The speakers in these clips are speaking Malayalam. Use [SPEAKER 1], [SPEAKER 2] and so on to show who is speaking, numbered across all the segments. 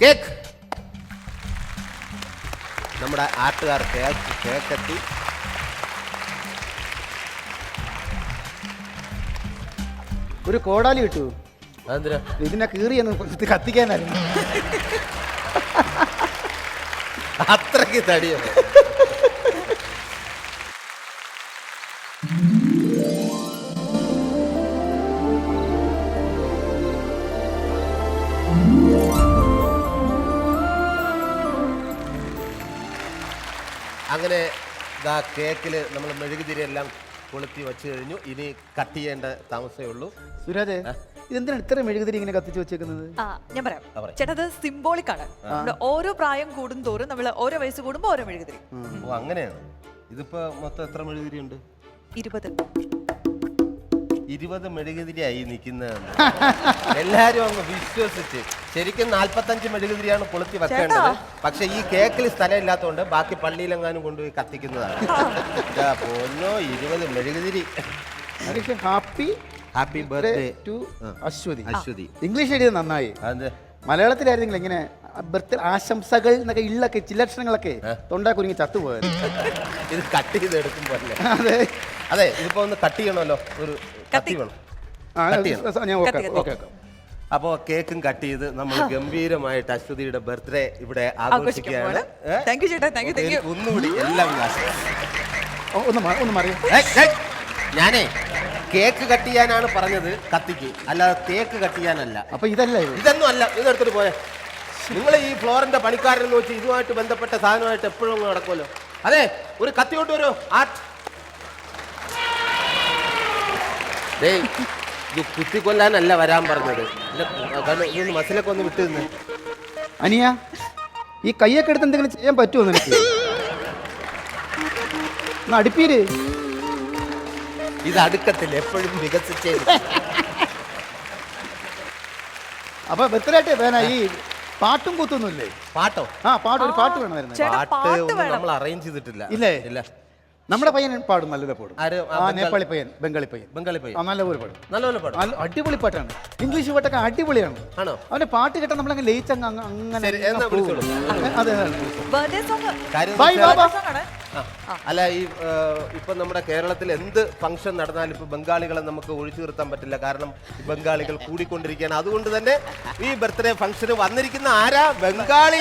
[SPEAKER 1] കേക്ക്. നമ്മുടെ ആട്ടുകാർ കേക്കെത്തി.
[SPEAKER 2] ഒരു കോടാലി കിട്ടൂ.
[SPEAKER 1] അതെന്തിനാ?
[SPEAKER 2] ഇതിനെ കീറിയെന്ന് കത്തിക്കാനായിരുന്നു.
[SPEAKER 1] അത്രയ്ക്ക് തടിയോ? അങ്ങനെ കേക്കിൽ നമ്മൾ മെഴുകുതിരി എല്ലാം കൊളുത്തി വെച്ച് കഴിഞ്ഞു. ഇനി കട്ട് ചെയ്യേണ്ട താമസമേ ഉള്ളൂ.
[SPEAKER 2] സുരാജ്, ഇതെന്തിനാണ് ഇത്ര മെഴുകുതിരി ഇങ്ങനെ കത്തിച്ച് വെച്ചേക്കുന്നത്?
[SPEAKER 3] ഞാൻ പറയാം ചേട്ടാ, അത് സിംബോളിക് ആണ്. ഓരോ പ്രായം കൂടും തോറും നമ്മൾ ഓരോ വയസ്സ് കൂടുമ്പോ ഓരോ മെഴുകുതിരി.
[SPEAKER 1] ഓ അങ്ങനെയാണ്. ഇതിപ്പോ മൊത്തം എത്ര മെഴുകുതിരി ഉണ്ട്? 20 മെഴുകുതിരിയായി നിൽക്കുന്നതെന്ന് എല്ലാരും അങ്ങ് വിശ്വസിച്ച്. ശരിക്കും 45 മെഴുകുതിരിയാണ് കൊളുത്തി വെക്കേണ്ടത്. പക്ഷെ ഈ കേക്കിൽ സ്ഥലം ഇല്ലാത്തതുകൊണ്ട് ബാക്കി പള്ളിയിലെങ്ങാനും കൊണ്ടുപോയി കത്തിക്കുന്നതാണ്. പൊന്നോ, 20 മെഴുകുതിരി. Happy birthday to Ashwathy.
[SPEAKER 2] English എഴുതിയത് നന്നായി. മലയാളത്തിലായിരുന്നെങ്കിൽ ഇങ്ങനെ ബർത്ത്ഡേ ആശംസകൾ എന്നൊക്കെ ഇള്ളൊക്കെ ചില്ലക്ഷരങ്ങളൊക്കെ തൊണ്ടാ കുരുങ്ങി ചത്തുപോയത്.
[SPEAKER 1] ഇത് കട്ട് ചെയ്ത് എടുക്കുമ്പോ അല്ലേ?
[SPEAKER 2] അതെ
[SPEAKER 1] അതെ. ഇതിപ്പോ ഒന്ന് കട്ട് ചെയ്യണമല്ലോ. ഒരു കത്തി വേണം. അപ്പോ കേക്കും കട്ട് ചെയ്ത് നമ്മൾ ഗംഭീരമായിട്ട് അശ്വതിയുടെ ബർത്ത്ഡേ ഇവിടെ ആഘോഷിക്കുകയാണ്. ഒന്നുകൂടി എല്ലാം
[SPEAKER 2] ഒന്ന് മാറിയോ.
[SPEAKER 1] ഞാനേ കേക്ക് കട്ട് ചെയ്യാനാണ് പറഞ്ഞത്, കത്തിക്ക്, അല്ലാതെ തേക്ക് കട്ട് ചെയ്യാനല്ല.
[SPEAKER 2] അപ്പൊ ഇതല്ല,
[SPEAKER 1] ഇതൊന്നും അല്ല. ഇതെടുത്തിട്ട് പോയെ. നിങ്ങൾ ഈ ഫ്ലോറിന്റെ പണിക്കാരെന്ന് വെച്ച് ഇതുമായിട്ട് ബന്ധപ്പെട്ട സാധനമായിട്ട് എപ്പോഴും നടക്കുമല്ലോ. അതെ, ഒരു കത്തി കൊണ്ട് വരുമോ? ഇത് കുത്തിക്കൊല്ലാനല്ല വരാൻ പറഞ്ഞത്. ഇതൊന്ന് മസിലൊക്കെ ഒന്ന് വിട്ടു നിന്ന്.
[SPEAKER 2] അനിയ, ഈ കയ്യൊക്കെ എടുത്ത് എന്തെങ്കിലും ചെയ്യാൻ പറ്റുമോ നിനക്ക്? അടുപ്പീര്.
[SPEAKER 1] ഇത് അടുക്കത്തില്ല, എപ്പോഴും വികസിച്ചേ.
[SPEAKER 2] അപ്പൊ ബർത്ത്ഡേ വേന ഈ പാട്ടും കൂത്തൊന്നുമില്ലേ?
[SPEAKER 1] പാട്ടോ?
[SPEAKER 2] പാട്ട്, ഒരു പാട്ട് വേണമായിരുന്നു.
[SPEAKER 1] പാട്ട് നമ്മൾ അറേഞ്ച് ചെയ്തിട്ടില്ല.
[SPEAKER 2] ഇല്ലേ?
[SPEAKER 1] ഇല്ല.
[SPEAKER 2] നമ്മുടെ പയ്യൻ പാടും, നല്ലത് പാടും. നേപ്പാളി പയ്യൻ, ബംഗാളി പയ്യൻ. നല്ലപോലെ പാടും.
[SPEAKER 1] നല്ലപോലെ പാടും.
[SPEAKER 2] അടിപൊളി പാട്ടാണ്. ഇംഗ്ലീഷ് പാട്ടൊക്കെ അടിപൊളിയാണ്.
[SPEAKER 1] ആണോ?
[SPEAKER 2] അവന്റെ പാട്ട് കേട്ടാൽ നമ്മളങ്ങ് ലയിച്ചങ്ങ് അങ്ങനെ.
[SPEAKER 1] അല്ല, ഈ ഇപ്പൊ നമ്മുടെ കേരളത്തിൽ എന്ത് ഫംഗ്ഷൻ നടന്നാലും ഇപ്പൊ ബംഗാളികളെ നമുക്ക് ഒഴിച്ചു നിർത്താൻ പറ്റില്ല. കാരണം ബംഗാളികൾ കൂടിക്കൊണ്ടിരിക്കുകയാണ്. അതുകൊണ്ട് തന്നെ ഈ ബർത്ത്ഡേ ഫംഗ്ഷന് വന്നിരിക്കുന്ന ആരാ? ബംഗാളി.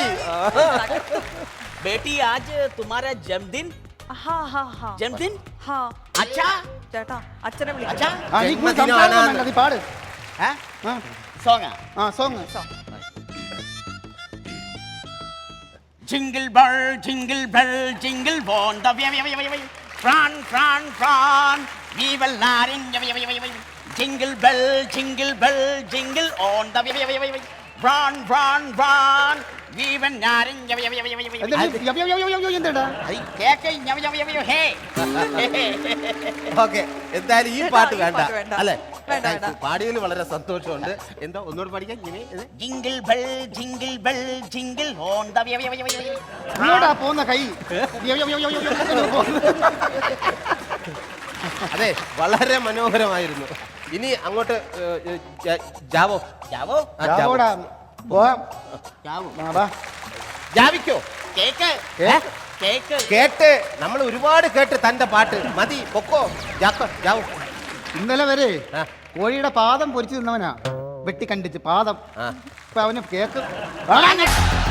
[SPEAKER 4] बेटी आज तुम्हारा जन्मदिन? जन्मदिन? अच्छा
[SPEAKER 3] ചേട്ടാ, അച്ഛനെ
[SPEAKER 4] अच्छा
[SPEAKER 2] പാട്.
[SPEAKER 4] Song
[SPEAKER 2] song.
[SPEAKER 4] Jingle bell, jingle on the way. Fran, we will not in. Jingle bell, jingle on the way. Run, we will not in.
[SPEAKER 1] Okay, എന്തായാലും ഈ പാട്ട് വേണ്ട അല്ലേ? പാടിയതിൽ വളരെ സന്തോഷമുണ്ട്. എന്താ ഒന്നുകൂടെ പഠിക്കാൻ?
[SPEAKER 4] Jingle bell, jingle on the way.
[SPEAKER 2] പോന്ന കൈ.
[SPEAKER 1] അതെ, വളരെ മനോഹരമായിരുന്നു. ഇനി അങ്ങോട്ട് ജാവോ. ജാവിക്കോ? കേട്ട് നമ്മൾ ഒരുപാട് കേട്ട് തന്റെ പാട്ട് മതി. പൊക്കോ, ജാവോ.
[SPEAKER 2] ഇന്നലെ വരെ കോഴിയുടെ പാദം പൊരിച്ചു തിന്നവനാ, വെട്ടി കണ്ടിച്ച് പാദം. ഇപ്പൊ അവന് കേക്ക്